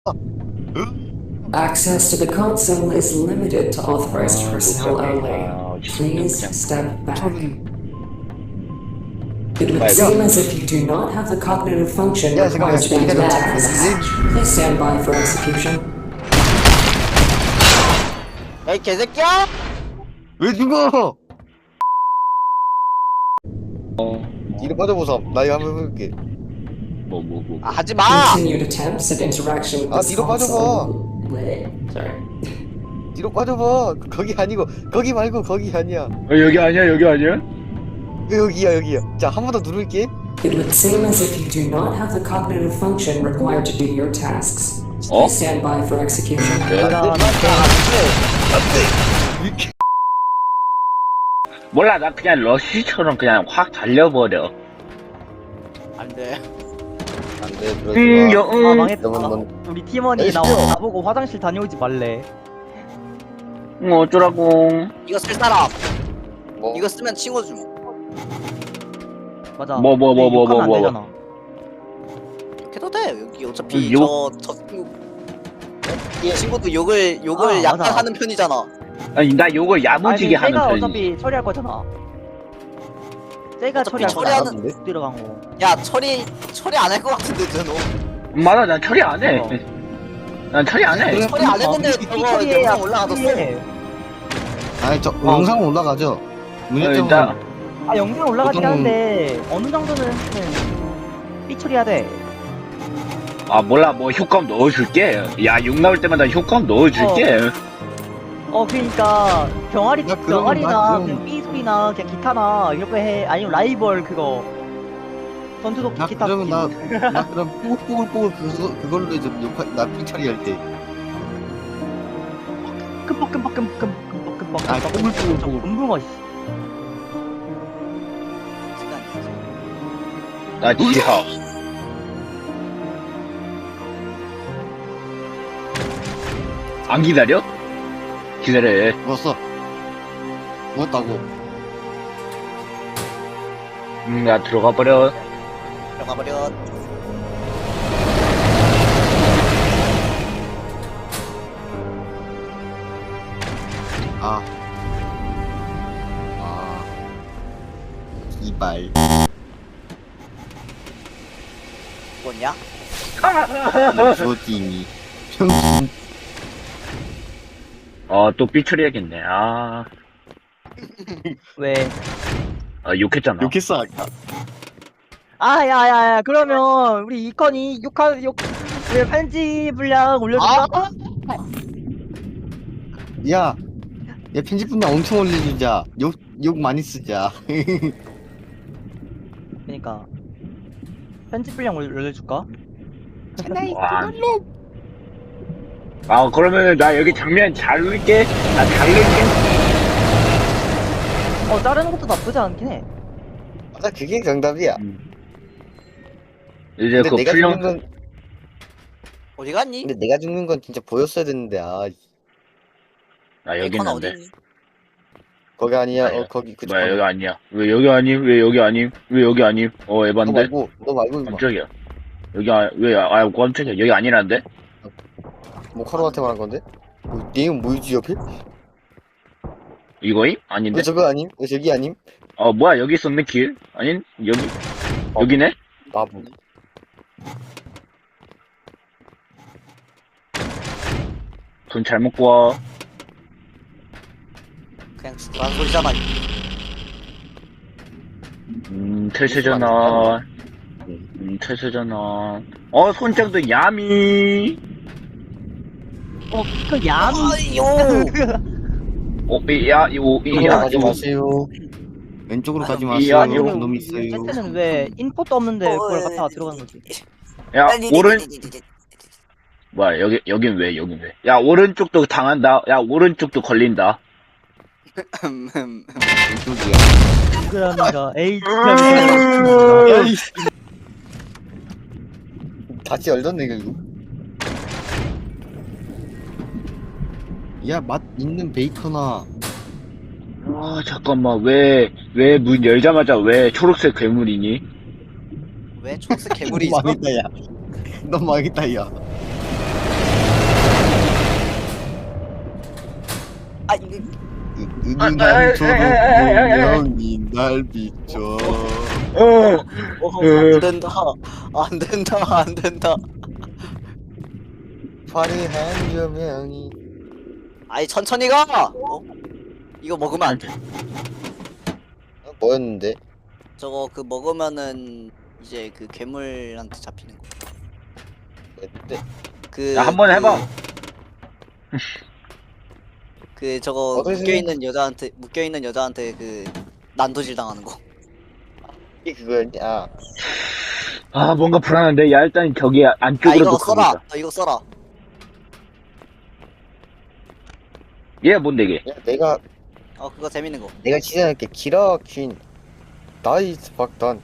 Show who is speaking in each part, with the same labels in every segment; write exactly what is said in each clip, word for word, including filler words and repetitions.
Speaker 1: Access to the console is limited to authorized personnel only. Please step back. It would seem as if you do not have the cognitive function
Speaker 2: 야,
Speaker 1: required to
Speaker 2: 잠깐만,
Speaker 1: do your
Speaker 2: 잠깐만,
Speaker 1: tasks. Please stand by for execution.
Speaker 3: 야이 개새끼야!
Speaker 2: 왜 죽어? 뒤로 빠져보자. 나 이거 한번 해볼게.
Speaker 4: 뭐 뭐 뭐.
Speaker 3: 아 하지마!
Speaker 1: Continued attempts at interaction with
Speaker 2: 아,
Speaker 1: this
Speaker 2: 뒤로 빠져봐.
Speaker 1: console. Wait, sorry.
Speaker 2: 뒤로 빠져봐. 거기 아니고 거기 말고 거기 아니야.
Speaker 4: 어, 여기 아니야 여기 아니야?
Speaker 2: 여기야 여기야. 자, 한 번 더 누를게.
Speaker 1: It would seem as if you do not have the cognitive function required to do your tasks.
Speaker 4: 어?
Speaker 1: Please stand by for execution.
Speaker 4: 네.
Speaker 2: 이렇게.
Speaker 4: 몰라 나 그냥 러쉬처럼 그냥 확 달려버려.
Speaker 3: 안돼.
Speaker 2: 안돼
Speaker 4: 음,
Speaker 2: 그러지
Speaker 4: 여,
Speaker 2: 마.
Speaker 5: 아
Speaker 4: 음.
Speaker 5: 망했다.
Speaker 2: 너무 너무.
Speaker 5: 우리 팀원이
Speaker 2: 에이,
Speaker 5: 나,
Speaker 2: 시끄러워.
Speaker 5: 나보고 화장실 다녀오지 말래.
Speaker 4: 음, 어쩌라고.
Speaker 3: 이거 쓸 사람.
Speaker 2: 뭐?
Speaker 3: 이거 쓰면 친구 줌.
Speaker 5: 맞아.
Speaker 4: 뭐, 뭐, 뭐, 뭐,
Speaker 5: 욕하면 안
Speaker 4: 뭐, 뭐.
Speaker 5: 되잖아.
Speaker 3: 해도 돼. 여기 어차피
Speaker 4: 욕?
Speaker 3: 저저 친구. 이 친구도 욕을 욕을
Speaker 5: 아,
Speaker 3: 약간
Speaker 5: 맞아.
Speaker 3: 하는 편이잖아.
Speaker 4: 아니 나 요걸 야무지게
Speaker 5: 아니,
Speaker 4: 하는
Speaker 5: 쟤가
Speaker 4: 편이지.
Speaker 5: 어차피 처리할 거잖아. 쟤가
Speaker 3: 어차피
Speaker 5: 처리할
Speaker 3: 처리하는-
Speaker 5: 거잖아. 못 들어간 거.
Speaker 3: 야 처리 처리 안 할 것 같은데 쟤너.
Speaker 4: 맞아 난 처리 안 해.
Speaker 5: 어.
Speaker 4: 난 처리 안 해.
Speaker 3: 처리 안 했는데
Speaker 5: 이
Speaker 3: 저거
Speaker 5: 처리해야
Speaker 3: 영상 올라가졌어.
Speaker 5: 처리해.
Speaker 2: 아니 저 영상 올라가죠.
Speaker 4: 어,
Speaker 2: 문제점은
Speaker 4: 일단
Speaker 5: 아 영상 올라가긴
Speaker 2: 보통-
Speaker 5: 하는데 어느 정도는 삐 처리해야 돼.
Speaker 4: 아 몰라 뭐 효과음 넣어줄게. 야 욕 나올 때마다 효과음 넣어줄게.
Speaker 5: 어 그러니까 병아리
Speaker 2: 나 그럼- 나
Speaker 5: 병아리나
Speaker 2: 그럼-
Speaker 5: 그냥 삐 소리나 그냥 기타나 이런 거 해. 아니면 라이벌 그거 전투도끼
Speaker 2: 나
Speaker 5: 기타.
Speaker 2: 그러면 나, 나 그럼 뽀글뽀글 그거 그걸로 이제 욕하 나 삐처리 할 때.
Speaker 5: 끔뻑끔뻑끔뻑끔뻑끔뻑.
Speaker 2: 아 뽀글뽀글 뽀글.
Speaker 5: 궁금해.
Speaker 4: 나 지하. 안 기다려? 기다려.
Speaker 2: 먹었어. 먹었다고.
Speaker 4: 음, 나 들어가 버려.
Speaker 3: 들어가 버려.
Speaker 2: 아. 아. 이발.
Speaker 3: 뭐냐?
Speaker 2: 조딩이. 평균.
Speaker 4: 어, 또 삐처리해야겠네. 아,
Speaker 5: 왜?
Speaker 4: 아 욕했잖아.
Speaker 2: 욕했어 아까.
Speaker 5: 아, 야, 야, 야, 그러면 우리 이건이 욕하, 욕, 왜 편지 분량 올려줄까?
Speaker 2: 야. 야 편집 분량 엄청 올려주자. 욕 욕 많이 쓰자.
Speaker 5: 그니까. 편집 분량 올- 올려줄까?
Speaker 4: 와. 아, 그러면은 나 여기 장면 잘 넣을게. 나 잘 넣을게.
Speaker 5: 어, 자르는 것도 나쁘지 않긴 해.
Speaker 2: 맞아 그게 정답이야.
Speaker 4: 이제
Speaker 2: 근데
Speaker 4: 그
Speaker 2: 내가
Speaker 4: 풀령,
Speaker 2: 죽는 건
Speaker 3: 어디 갔니?
Speaker 2: 근데 내가 죽는 건 진짜 보였어야 됐는데 아
Speaker 4: 아, 여기
Speaker 3: 베이컨
Speaker 4: 있는데.
Speaker 3: 어디 있니?
Speaker 2: 거기 아니야.
Speaker 4: 아니야.
Speaker 2: 어 거기 그쪽.
Speaker 4: 왜 여기 아니야? 왜 여기 아니? 왜 여기 아니? 왜 여기 아니? 어,
Speaker 2: 너
Speaker 4: 에반데?
Speaker 2: 말고 너 말고 임마.
Speaker 4: 깜짝이야. 여기 아, 왜, 아, 깜짝이야. 여기 아니란데?
Speaker 2: 모카로한테 말한 건데? 뭐, 내용 뭐지 옆에?
Speaker 4: 이거임? 아닌데?
Speaker 2: 왜 저거 아님? 왜 저기 아님?
Speaker 4: 어, 뭐야, 여기 있었네, 길? 아닌? 여기, 여기네?
Speaker 2: 바보.
Speaker 4: 돈 잘 먹고 와.
Speaker 3: 그냥 죽으라는 소리잖아.
Speaker 4: 음, 태세전환. 음, 태세전환. 어, 손장도 야미.
Speaker 5: 어, 그 얌.
Speaker 3: 아이요.
Speaker 4: 오, 야, 요,
Speaker 2: 왼쪽으로
Speaker 4: 야,
Speaker 2: 가지
Speaker 4: 요.
Speaker 2: 마세요. 왼쪽으로 가지 마세요.
Speaker 4: 이야,
Speaker 5: 아니,
Speaker 4: 요.
Speaker 2: 놈 있어요.
Speaker 5: 쟤는 왜 인포도 없는데 그걸 갖다가 들어가는 거지?
Speaker 4: 야, 오른, 뭐야, 여기, 여긴 왜, 여긴 왜. 야, 오른쪽도 당한다. 야, 오른쪽도 걸린다.
Speaker 2: 왼쪽이야.
Speaker 5: 그러니까 에이
Speaker 4: 음.
Speaker 5: 진짜
Speaker 2: 야이. 다시 열렸네 결국. 야, 맛 있는 베이커나.
Speaker 4: 아, 잠깐만, 왜, 왜 문 열자마자 왜 초록색 괴물이니?
Speaker 3: 왜 초록색 괴물이 있어?
Speaker 2: 너 망했다 야. 너 망했다 야. 유난처럼 분명히 날 비춰.
Speaker 4: 어,
Speaker 3: 어, 안 된다. 안 된다. 안 된다.
Speaker 2: 화려한 조명이.
Speaker 3: 아이 천천히 가. 어? 이거 먹으면 안 돼.
Speaker 2: 어, 뭐였는데?
Speaker 3: 저거 그 먹으면은 이제 그 괴물한테 잡히는 거.
Speaker 2: 뭐였는데?
Speaker 3: 그
Speaker 4: 야, 한번
Speaker 3: 그-
Speaker 4: 해봐.
Speaker 3: 그 저거
Speaker 2: 어디서
Speaker 3: 묶여 있는 여자한테 묶여 있는 여자한테 그 난도질 당하는 거.
Speaker 2: 이게 그거였냐? 아,
Speaker 4: 아, 뭔가 불안한데. 야, 일단 저기
Speaker 3: 아
Speaker 4: 안쪽으로
Speaker 3: 이거
Speaker 4: 도
Speaker 3: 써라.
Speaker 4: 가보자.
Speaker 3: 너 이거 써라.
Speaker 4: 얘 뭔데 이게?
Speaker 2: 야, 내가
Speaker 3: 어 그거 재밌는 거.
Speaker 2: 내가 지정할게. 키라 퀸 나이스 박던.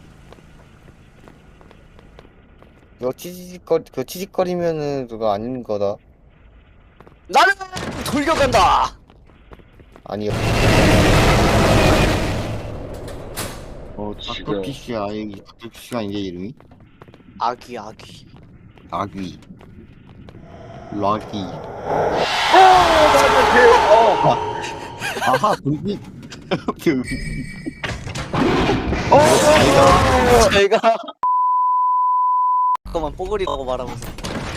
Speaker 2: 이거 치직거리 그 치직거리면은 그거 아닌 거다.
Speaker 3: 나는 돌격한다.
Speaker 2: 아니요.
Speaker 4: 어, 지금.
Speaker 2: 닥터피쉬야 여기 닥터피쉬가 이제 이름이
Speaker 3: 아귀 아귀.
Speaker 2: 아귀 락이.
Speaker 4: 어,
Speaker 2: 아하 불빛.
Speaker 4: 어, 어,
Speaker 3: 저희가 잠깐만 뽀글이라고 말하면서.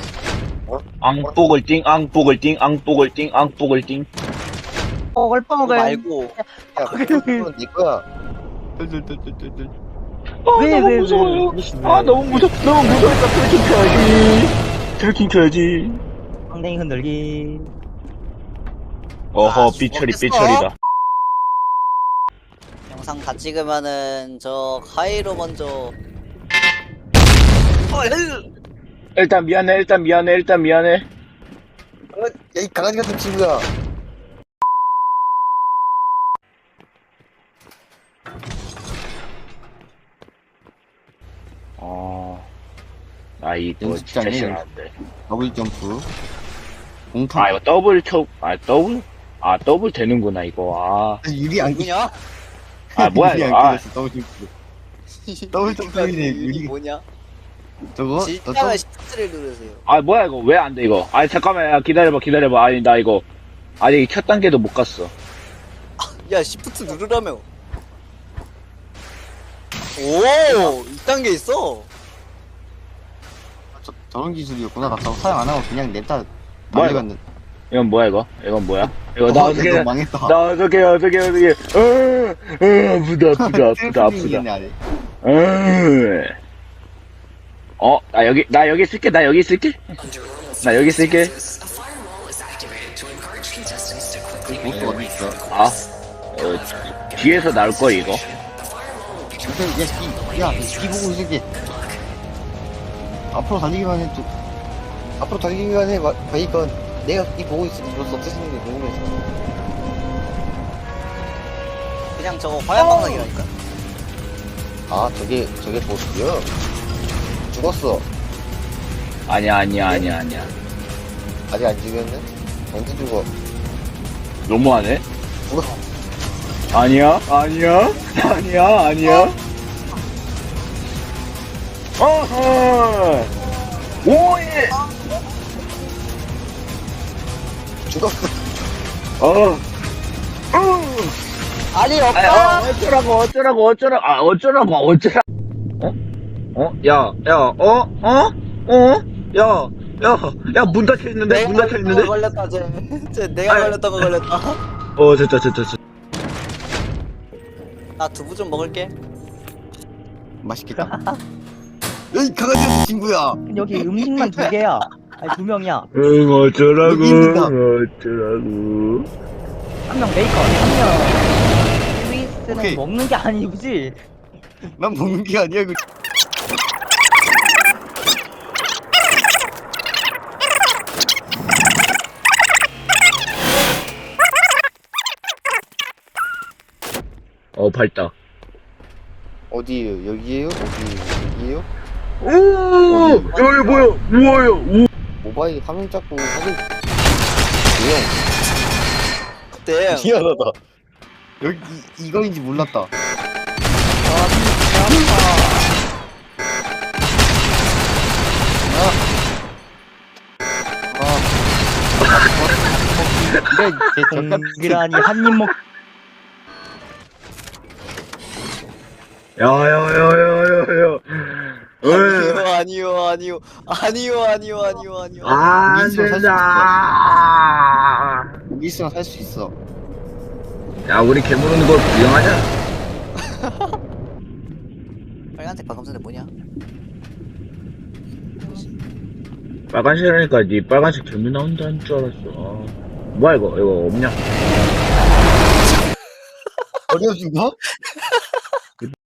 Speaker 4: 앙뽀글 띵, 앙뽀글 띵, 앙뽀글 띵, 앙뽀글 띵.
Speaker 5: 뽀글
Speaker 3: 그거
Speaker 5: 뽀글.
Speaker 3: 말고
Speaker 2: 야, 그건 내 거야. 뜰뜰뜰뜰뜰.
Speaker 4: 아,
Speaker 5: 왜,
Speaker 4: 너무
Speaker 5: 왜, 왜?
Speaker 4: 무서워요. 아, 너무 무서워. 너무 무서우니까 트래킹 켜야지. 트래킹 켜야지.
Speaker 5: 엉덩이 흔들기.
Speaker 4: 어허,
Speaker 3: 아,
Speaker 4: 삐처리,
Speaker 3: 죽었겠어?
Speaker 4: 삐처리다.
Speaker 3: 영상 다 찍으면은 저 하이로 먼저. 어, 헬!
Speaker 4: 일단 미안해, 일단 미안해, 일단 미안해.
Speaker 2: 야, 이 강아지 같은 친구야.
Speaker 4: 어, 나 이거 진짜
Speaker 2: 연습장에
Speaker 4: 싫어하는데.
Speaker 2: 더블 점프. 공타.
Speaker 4: 아, 이거 더블 쳐, 아, 더블? 아, 더블 되는구나, 이거.
Speaker 2: 유리 안
Speaker 3: 누구냐?
Speaker 4: 아, 아, 뭐야,
Speaker 2: 유리
Speaker 4: 이거.
Speaker 2: 안
Speaker 4: 아,
Speaker 2: 끼웠어, 더블 점프. 더블 점프네,
Speaker 3: 유리
Speaker 2: 유리.
Speaker 3: 뭐냐?
Speaker 2: 저거? 너
Speaker 3: 진짜면 시프트를 누르세요.
Speaker 4: 아, 뭐야, 이거. 왜 안 돼, 이거. 아, 잠깐만, 야, 기다려봐, 기다려봐. 아니, 나 이거. 아직 첫 단계도 못 갔어.
Speaker 3: 야 시프트 누르라며. 오, 이 단계 있어.
Speaker 2: 저, 저런 기술이었구나. 나 저거 사용 안 하고 그냥 냅다
Speaker 4: 뭐야,
Speaker 2: 달려갔는데.
Speaker 4: 이건 뭐야, 이거? 이건 뭐야? 이거 나
Speaker 2: 어,
Speaker 4: 어떻게,
Speaker 2: 이거 망했다.
Speaker 4: 나 어떻게, 어떻게, 어떻게. 어, 어, 아프다, 아프다, 아프다, 아프다.
Speaker 2: 셀프링이네, 아래.
Speaker 4: 음. 어, 나 여기, 나 여기 쓸게, 나 여기 쓸게. 나 여기 쓸게.
Speaker 2: 보스 어디 있어?
Speaker 4: 아, 어, 뒤에서 나올 거, 이거.
Speaker 2: 야, 이, 야, 이 보고 있을게. 앞으로 달리기만 해, 또. 앞으로 달리기만 해, 마, 그니까, 내가 이 보고 있으니 이거 어떻게 쓰는 게 궁금해서.
Speaker 3: 그냥 저거 화염방석이라니까.
Speaker 2: 아, 저게, 저게 보스요? 죽었어.
Speaker 4: 아니야, 아니야, 아니야, 아니야.
Speaker 2: 아직 안 죽였네? 언제 죽어?
Speaker 4: 너무하네?
Speaker 2: 죽었어.
Speaker 4: 아니야, 아니야, 아니야, 아니야. 어허! 오예!
Speaker 2: 죽었어.
Speaker 4: 어, 어!
Speaker 3: 아니
Speaker 4: 아,
Speaker 3: 없다.
Speaker 4: 어, 어쩌라고, 어쩌라고, 어쩌라고, 아, 어쩌라고, 어쩌라. 어? 어? 야, 야, 어? 어? 어? 야, 야, 야, 문 닫혀 있는데? 문 닫혀 있는데?
Speaker 3: 걸렸다 쟤. 쟤 내가
Speaker 4: 아니.
Speaker 3: 걸렸던 거 걸렸다.
Speaker 4: 어, 됐다, 됐다, 됐다.
Speaker 3: 나 두부 좀 먹을게.
Speaker 2: 맛있겠다. 여기 강아지 같은 친구야.
Speaker 5: 여기 음식만 두 개야. 아니 두 명이야.
Speaker 4: 응, 어쩌라고,
Speaker 2: 여기입니다.
Speaker 4: 어쩌라고.
Speaker 5: 한 명 메이커, 한 명 스위스는
Speaker 2: 오케이.
Speaker 5: 먹는 게 아니지.
Speaker 2: 난 먹는 게 아니야, 그.
Speaker 4: 어, 밝다.
Speaker 2: 어디에요? 여기에요? 어디, 여기에요?
Speaker 4: 오! 여기 뭐야? 뭐야? 오!
Speaker 2: 모바일 화면 잡고 사진. 조용.
Speaker 3: 그때
Speaker 2: 미안하다. 여기, 이, 이거인지 몰랐다. 아. 아. 이래, 제 젓가락.
Speaker 5: 동그라니 한 입 먹.
Speaker 4: 야야야야야야.
Speaker 3: 아니요 아니요 아니요 아니요 아니요 아니요
Speaker 4: 아, 안
Speaker 2: 여기 있으면 살 수
Speaker 4: 된다.
Speaker 2: 여기 있으면 살 수 있어.
Speaker 4: 야, 우리 괴물 오는 걸 구경하자.
Speaker 3: 빨간색 방금전에 뭐냐?
Speaker 4: 빨간색이니까 니 빨간색 괴물 나온다는 줄 알았어. 아. 뭐야 이거? 이거 없냐?
Speaker 2: 어려워진 거?